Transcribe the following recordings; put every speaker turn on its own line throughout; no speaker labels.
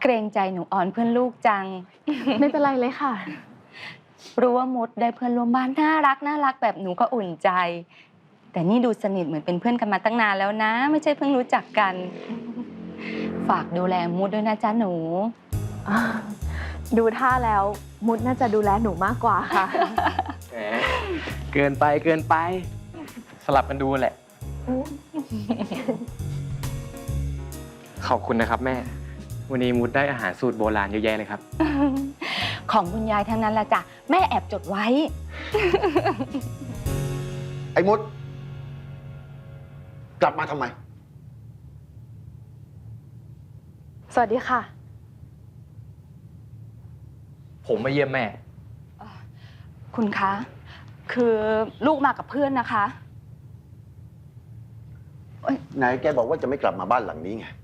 เกรงใจหนูอ่อนเพื่อนลูกจัง
ไม่เป็นไรเลยค่ะ
รู้ว่ามุดได้เพื่อนร่วมบ้านน่ารักแบบหนูก็อุ่นใจ แต่นี่ดูสนิทเหมือนเป็นเพื่อนกันมาตั้งนานแล้วนะ ไม่ใช่เพิ่งรู้จักกัน ฝากดูแลมุดด้วยนะจ๊ะหนู
ดูท่าแล้วมุดน่าจะดูแลหนูมากกว่าค่ะ
แหมเกินไปสลับกันดูแหละ ขอบคุณนะครับแม่ วันนี้มุดได้อาหารสูตรโบราณเยอะแยะเลยครับ
ของคุณยายทั้งนั้นละจ้ะแม่แอบจดไว้
ไอ้มด กลับมาทำไม
สวัสดีค่ะ
ผมมาเยี่ยมแม่
คุณคะ คือลูกมากับเพื่อนนะคะ
ไหนแกบอกว่าจะไม่กลับมาบ้านหลังนี้ไง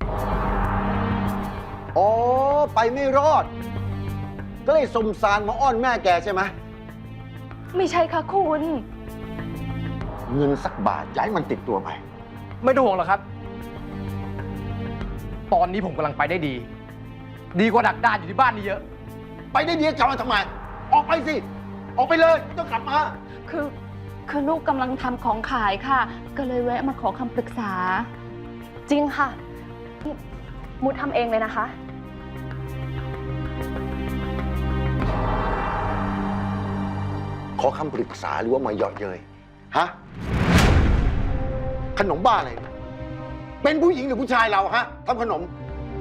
อ๋อ ไปไม่รอด ก็เลยสมสารมาอ้อนแม่แกใช่ไหม
ไม่ใช่ค่ะคุณ
เงินสักบาทย้ายมันติดตัวไป
ไม่ต้องห่วงหรอกครับ ตอนนี้ผมกำลังไปได้ดี ดีกว่าดักดานอยู่ที่บ้านนี่เยอะ
ไปได้ดีกลับมาทำไม ออกไปสิ ออกไปเลยไม่ต้องกลับมา
คือลูกกำลังทำของขายค่ะ ก็เลยแวะมาขอคำปรึกษา
จริงค่ะ มุดทำเองเลยนะคะ
ขอคำปรึกษาหรือว่ามาเยาะเย้ยฮะ ขนมบ้าอะไรเนี่ยเป็นผู้หญิงหรือผู้ชายเราฮะทำขนม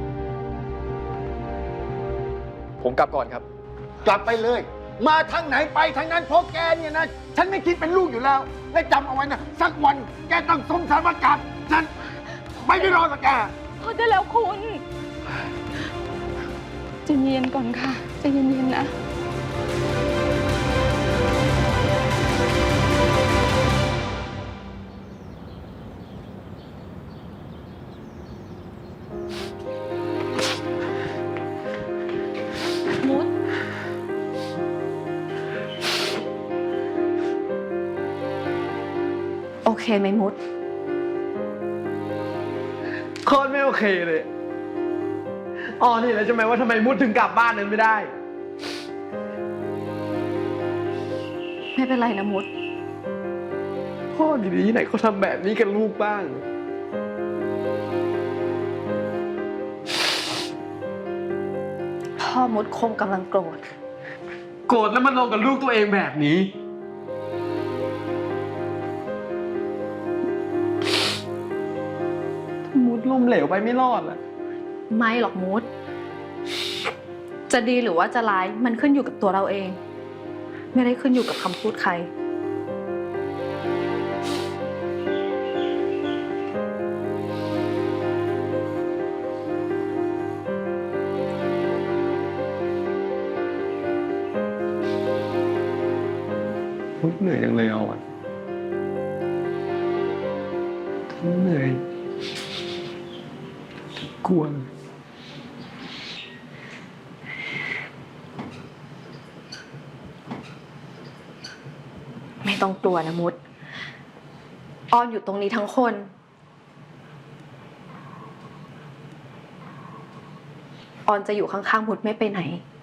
ผมกลับก่อนครับ
กลับไปเลย มาทางไหนไปทางนั้นเพราะแกเนี่ยนะ ฉันไม่คิดเป็นลูกอยู่แล้ว และจำเอาไว้นะ สักวันแกต้องสมสารประกาศฉันไม่ได้รอกับแก
พอได้แล้วคุณใจเย็นก่อนค่ะใจเย็นๆนะ มุด
โอเคไหมมุด
โคตรไม่โอเคเลยอ๋อนี่แล้วใช่ไหมว่าทำไมมุดถึงกลับบ้านนั้นไม่ได้
ไม่เป็นไรนะมุด
พ่อดีๆที่ไหนเขาทำแบบนี้กับลูกบ้าง
พ่อมุดคงกำลังโกรธ
โกรธแล้วมันลงกับลูกตัวเองแบบนี้ มุดล้มเหลวไปไม่รอดอะ
ไม่หรอกมุด จะดีหรือว่าจะร้ายมันขึ้นอยู่กับตัวเราเอง ไม่ได้ขึ้นอยู่กับคำพูดใคร
มุดเหนื่อยจังเลยเอาอะทั้งเหนื่อยทั้งกลัว
ไม่ต้องกลัวนะมุด ออนอยู่ตรงนี้ทั้งคน ออนจะอยู่ข้างๆมุดไม่ไปไหน